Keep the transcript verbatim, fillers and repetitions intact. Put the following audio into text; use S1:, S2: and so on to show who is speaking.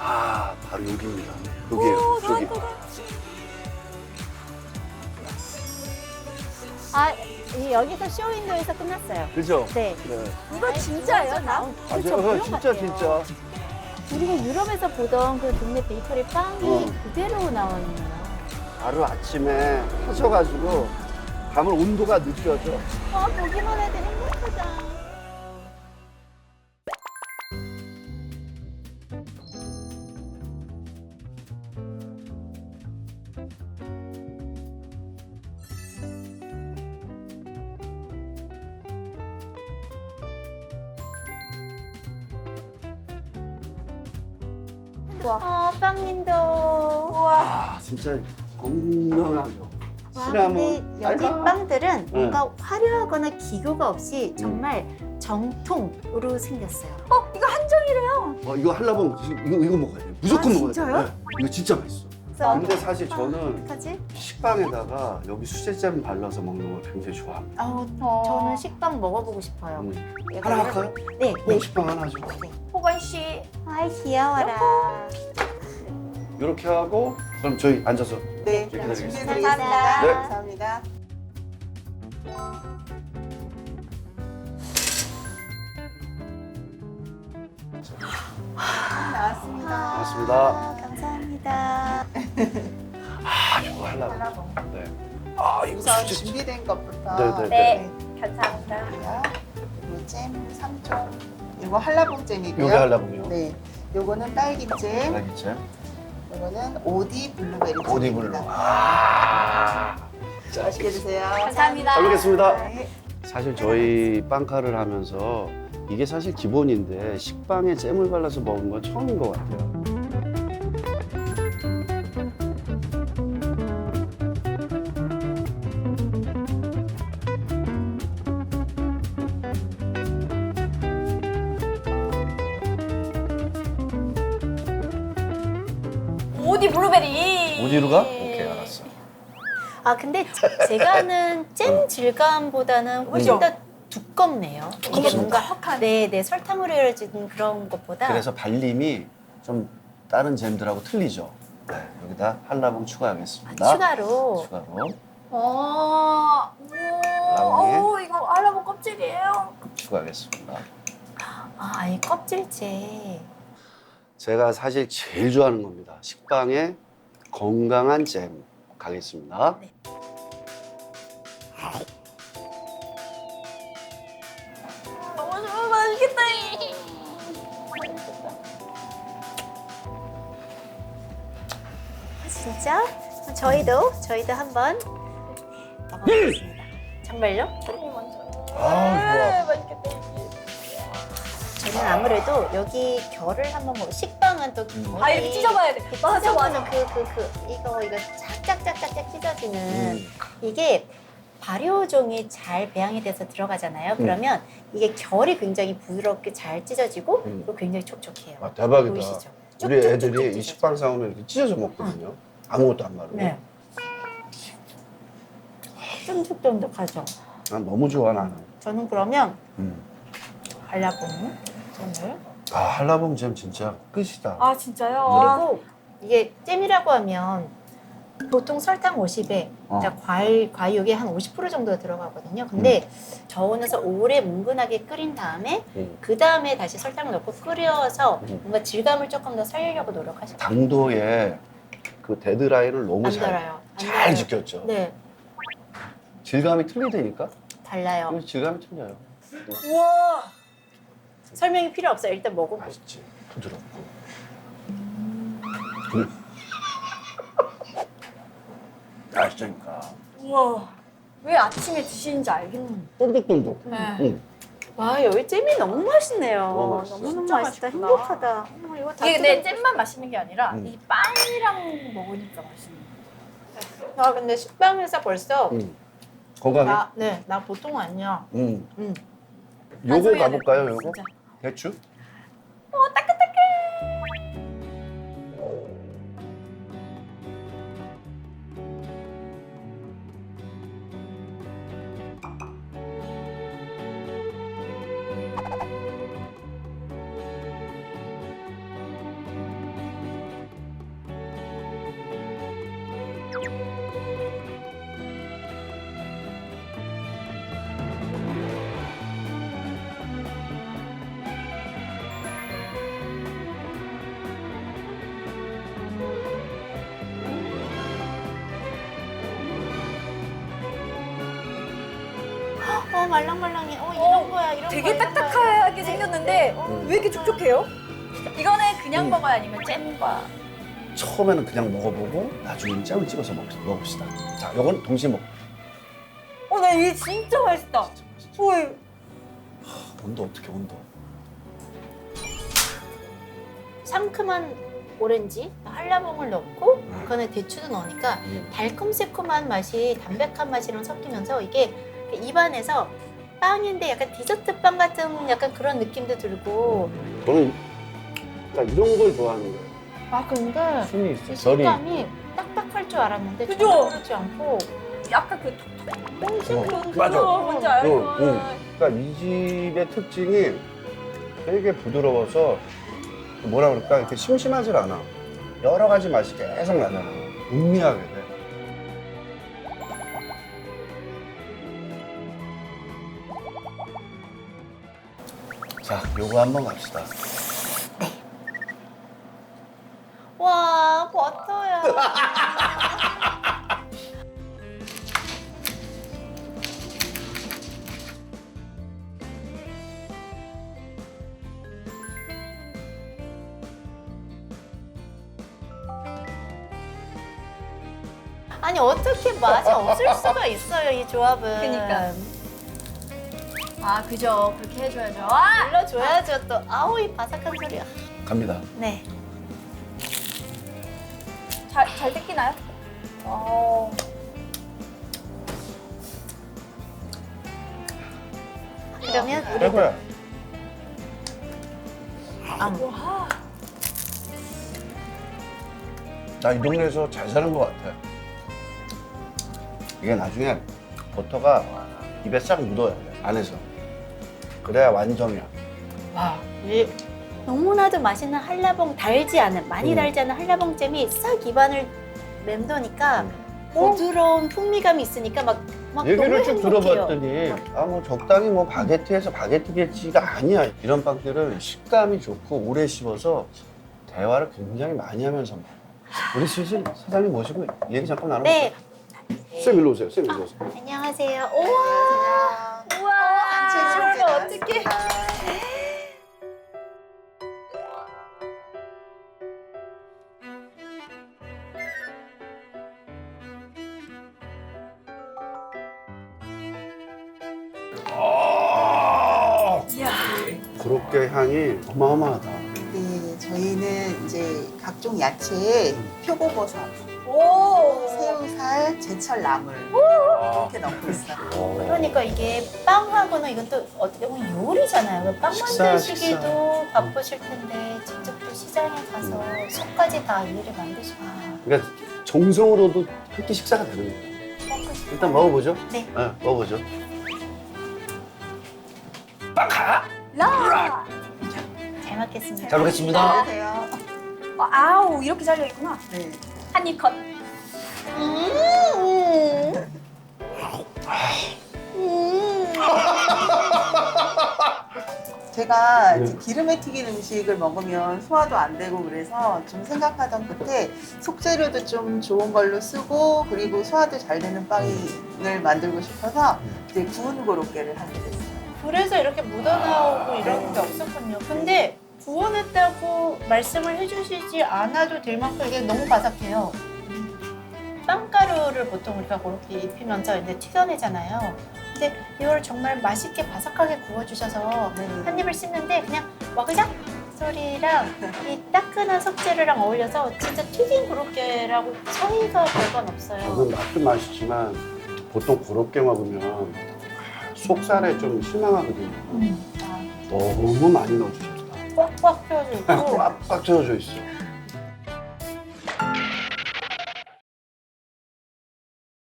S1: 아, 바로 여기입니다. 여기에요,
S2: 오,
S1: 저기.
S2: 따뜻해.
S3: 아, 이 여기서 쇼윈도에서 끝났어요.
S1: 그죠?
S3: 네.
S1: 네.
S2: 이거 진짜예요, 다?
S3: 나온
S1: 아,
S3: 그렇죠,
S1: 저,
S3: 물론
S1: 진짜,
S3: 같아요.
S1: 진짜.
S3: 우리가 유럽에서 보던 그 동네 베이커리 빵이
S1: 어.
S3: 그대로 나왔네요.
S1: 바로 아침에 하셔가지고 가면 온도가 느껴져.
S3: 아, 보기만 해도 행복하다. 어, 빵님도.
S2: 우와.
S1: 아, 진짜 건강하죠.
S3: 와,
S1: 시나몬,
S3: 근데 여기
S1: 달콤.
S3: 빵들은 뭔가 화려하거나 기교가 없이 정말 정통으로 생겼어요.
S2: 어, 이거 한정이래요.
S1: 어, 이거 한라봉 이거 이거 먹어야 돼. 무조건
S2: 아,
S1: 먹어야 돼.
S2: 진짜요?
S1: 네. 이거 진짜 맛있어. 근데 사실 저는
S3: 어떡하지?
S1: 식빵에다가 여기 수제잼 발라서 먹는 걸 굉장히 좋아합니다.
S3: 어,
S2: 어.
S3: 저는 식빵 먹어보고 싶어요.
S1: 음.
S3: 이거를-
S1: 하나 할까요?
S3: 네,
S1: 네.
S3: 네.
S1: 식빵 하나 줘.
S2: 호건 씨.
S3: 아이, 귀여워라.
S1: 이렇게 하고 그럼 저희 앉아서
S4: 네,
S1: 기다리겠습니다.
S4: 준비해드리겠습니다.
S1: 네.
S4: 감사합니다. 나왔습니다.
S1: 반갑습니다.
S3: 아, 감사합니다.
S1: 아, 이거 하려고.
S4: 한라봉.
S1: 네. 아, 이거
S4: 우선
S1: 수제
S4: 준비된 것부터
S1: 네, 네,
S2: 네. 감사합니다.
S4: 드릴게요. 그리고 잼 삼 종. 이거 한라봉 잼이고요.
S1: 요게 하려고요.
S4: 네, 요거는 딸기잼.
S1: 딸기잼.
S4: 요거는 오디 블루베리 잼입니다.
S1: 오디블루. 아.
S4: 맛있게 드세요.
S2: 감사합니다.
S1: 잘 먹겠습니다.
S4: 네.
S1: 사실 저희 빵카를 하면서 이게 사실 기본인데 식빵에 잼을 발라서 먹은 건 처음인 것 같아요.
S2: 오디 블루베리.
S1: 어디로 가? 오케이, 알았어.
S3: 아, 근데 제- 제가 아는 잼 질감보다는 훨씬 더 두껍네요. 이게
S1: 두껍습니다.
S3: 뭔가 네, 네, 설탕으로 이루어진 그런 것보다
S1: 그래서 발림이 좀 다른 잼들하고 틀리죠. 네, 여기다 한라봉
S3: 아,
S1: 추가하겠습니다.
S3: 추가로
S1: 추가로
S2: 어,
S1: 라봉에.
S2: 오, 이거 알라봉 껍질이에요.
S1: 추가하겠습니다.
S3: 아, 아예 껍질째.
S1: 제가 사실 제일 좋아하는 겁니다. 식빵에 건강한 잼 가겠습니다.
S3: 네.
S2: 너무 좋아, 맛있겠다.
S3: 아, 진짜? 저희도 저희도 한번 먹어보겠습니다. 정말요?
S2: 언니 먼저.
S1: 아,
S2: 네, 맛있겠다.
S3: 저는 아무래도 여기 결을 한번 먹. 식빵은 또
S1: 음.
S2: 아, 이렇게 찢어봐야 돼. 맞아,
S3: 찢어보는
S2: 맞아.
S3: 그, 그, 그, 이거, 이거 짝짝짝짝짝 찢어지는
S1: 음.
S3: 이게 발효종이 잘 배양이 돼서 들어가잖아요.
S1: 음.
S3: 그러면 이게 결이 굉장히 부드럽게 잘 찢어지고
S1: 음.
S3: 그리고 굉장히 촉촉해요.
S1: 아, 대박이다.
S3: 보이시죠?
S1: 우리
S3: 쭉쭉쭉쭉
S1: 애들이 이
S3: 찢어져요.
S1: 식빵 사오면 이렇게 찢어서 먹거든요. 아무것도 안 마르고.
S3: 네. 쫀득쫀득하죠.
S1: 난 너무 좋아, 나는.
S3: 저는 그러면
S1: 음.
S3: 발라본 잼을
S1: 아, 한라봉 잼 진짜 끝이다.
S2: 아, 진짜요? 와.
S3: 그리고 이게 잼이라고 하면 보통 설탕 오십에
S1: 어.
S3: 과일 과육이 한 오십 퍼센트 정도 들어가거든요. 근데 저온에서 오래 뭉근하게 끓인 다음에
S1: 음.
S3: 그 다음에 다시 설탕을 넣고 끓여서
S1: 음.
S3: 뭔가 질감을 조금 더 살리려고 노력하시면
S1: 당도에 그 데드라인을 너무
S3: 안
S1: 잘,
S3: 달아요. 안
S1: 잘
S3: 달아요.
S1: 지켰죠.
S3: 네,
S1: 질감이 틀리다니까?
S3: 달라요.
S1: 이거 질감이 틀려요.
S2: 우와.
S3: 설명이 필요 없어요. 일단 먹어보고.
S1: 맛있지. 부드럽고.
S3: 음.
S1: 음. 맛있다니까.
S2: 우와. 왜 아침에 드시는지 알겠네.
S1: 쫀득쫀득.
S2: 네.
S1: 응.
S3: 와, 여기 잼이 너무 맛있네요.
S1: 너무 맛있어.
S3: 너무
S2: 진짜
S3: 맛있다.
S2: 맛있구나.
S3: 행복하다. 어머, 이거 다
S2: 이게 근데
S3: 뜯어-
S2: 잼만 맛있는 게 아니라
S1: 음.
S2: 이 빵이랑 먹으니까 맛있는
S3: 아, 근데 식빵에서 벌써
S1: 응. 건강해?
S3: 나, 네, 나 보통 아니야.
S1: 응.
S3: 음.
S1: 요거
S2: 소리 해야
S1: 가볼까요,
S2: 돼,
S1: 요거?
S2: 진짜.
S1: 대추?
S2: 어, 따끈따끈.
S3: 아 말랑말랑해. 어 이런
S2: 어,
S3: 거야 이런
S2: 되게
S3: 거야, 이런 거야.
S2: 딱딱하게 생겼는데
S1: 음.
S2: 왜 이렇게 촉촉해요? 이거는 그냥
S1: 음.
S2: 먹어야 아니면 잼과
S1: 처음에는 그냥 먹어보고 나중에는 잼을 찍어서 먹, 먹읍시다. 자, 요건 동시에 먹.
S2: 어, 나 이게 진짜 맛있다. 오,
S1: 온도 어떻게 온도?
S3: 상큼한 오렌지, 한라봉을 넣고
S1: 음.
S3: 그 안에 대추도 넣으니까
S1: 음.
S3: 달콤 새콤한 맛이 담백한 맛이랑 섞이면서 이게 입안에서 빵인데 약간 디저트 빵 같은 약간 그런 느낌도 들고
S1: 저는 그러니까 이런 걸 좋아하는 거예요.
S3: 아 근데
S1: 순이
S3: 이
S1: 있어. 결이.
S3: 식감이 딱딱할 줄 알았는데
S2: 그죠?
S3: 전혀 그렇지 않고
S2: 약간 그 톡톡
S1: 어,
S2: 그런
S1: 맞아.
S2: 그거 뭔지 알고.
S1: 응, 응. 그러니까 이 집의 특징이 되게 부드러워서 뭐라 그럴까 이렇게 심심하질 않아. 여러 가지 맛이 계속 나잖아. 음미하게 돼. 자, 요거 한번 갑시다.
S3: 와 버터야. 아니 어떻게 맛이 없을 수가 있어요 이 조합은.
S2: 그니까. 아, 그죠. 그렇게 해줘야죠. 아!
S3: 눌러줘야죠 또. 아우 이 바삭한 소리야.
S1: 갑니다.
S3: 네.
S2: 잘, 잘 뜯기나요? 어.
S3: 그러면 우리
S1: 최고야.
S3: 아,
S2: 와.
S1: 나 이 동네에서 잘 사는 것 같아. 이게 나중에 버터가 입에 싹 묻어야 돼, 안에서. 그래야 완성이야.
S3: 와, 이 너무나도 맛있는 한라봉 달지 않은 많이
S1: 음.
S3: 달지 않은 한라봉 잼이 싹 입안을 맴도니까 부드러운 풍미감이 있으니까 막, 막
S1: 얘기를
S3: 너무
S1: 쭉
S3: 행복해요.
S1: 들어봤더니 아 뭐 적당히 뭐 바게트에서 바게트겠지가 아니야. 이런 빵들은 식감이 좋고 오래 씹어서 대화를 굉장히 많이 하면서 먹어. 우리 슬슬 사장님 모시고 얘기 잠깐 나눠볼까요?
S3: 네.
S1: 쌤 일로 오세요. 쌤 일로 오세요.
S3: 안녕하세요. 우와.
S2: 우와.
S4: 단체
S2: 그러면
S4: 소개
S2: 어떡해.
S4: 나왔습니다.
S1: 아,
S2: 이야.
S1: 그렇게 향이 어마어마하다.
S4: 네, 저희는 이제 각종 야채에 표고버섯,
S2: 오.
S4: 새우살, 제철 나물
S1: 아,
S4: 이렇게 넣고 있어요.
S1: 어.
S3: 그러니까 이게 빵하고는 이건 또 어떻게 보면 요리잖아요. 빵
S1: 식사,
S3: 만드시기도
S1: 식사.
S3: 바쁘실 텐데 직접 또 시장에 가서 속까지 다 일을 만드시고
S1: 그러니까 정성으로도 한 끼 식사가 되는 거예요.
S3: 먹고 싶어요.
S1: 일단 먹어보죠.
S3: 네.
S1: 네, 먹어보죠.
S2: 라.
S3: 잘 먹겠습니다.
S1: 잘 먹겠습니다.
S4: 안녕하세요.
S2: 어, 아우, 이렇게 잘려 있구나.
S4: 네.
S2: 한 입 컷.
S3: 음. 음.
S4: 제가
S1: 네.
S4: 이제 기름에 튀긴 음식을 먹으면 소화도 안 되고 그래서 좀 생각하던 끝에 속재료도 좀 좋은 걸로 쓰고 그리고 소화도 잘 되는 빵을 만들고 싶어서 이제 구운 고로케를 하게 됐어요.
S3: 그래서 이렇게 묻어나오고 이런 게 없었군요. 근데 구워냈다고 말씀을 해주시지 않아도 될 만큼 이게 너무 바삭해요. 빵가루를 보통 우리가 그렇게 입히면서 이제 튀겨내잖아요. 근데 이걸 정말 맛있게 바삭하게 구워주셔서
S4: 네.
S3: 한 입을 씹는데 그냥 와그작 소리랑 이 따끈한 속재료랑 어울려서 진짜 튀긴 고로케라고 차이가 별건 없어요.
S1: 저는 맛도 맛있지만 보통 그렇게 먹으면 속살에 좀 실망하거든요.
S3: 음. 아,
S1: 너무 많이 넣어주셨다.
S3: 꽉꽉 펴져 있고
S1: 꽉꽉 채워져 있어.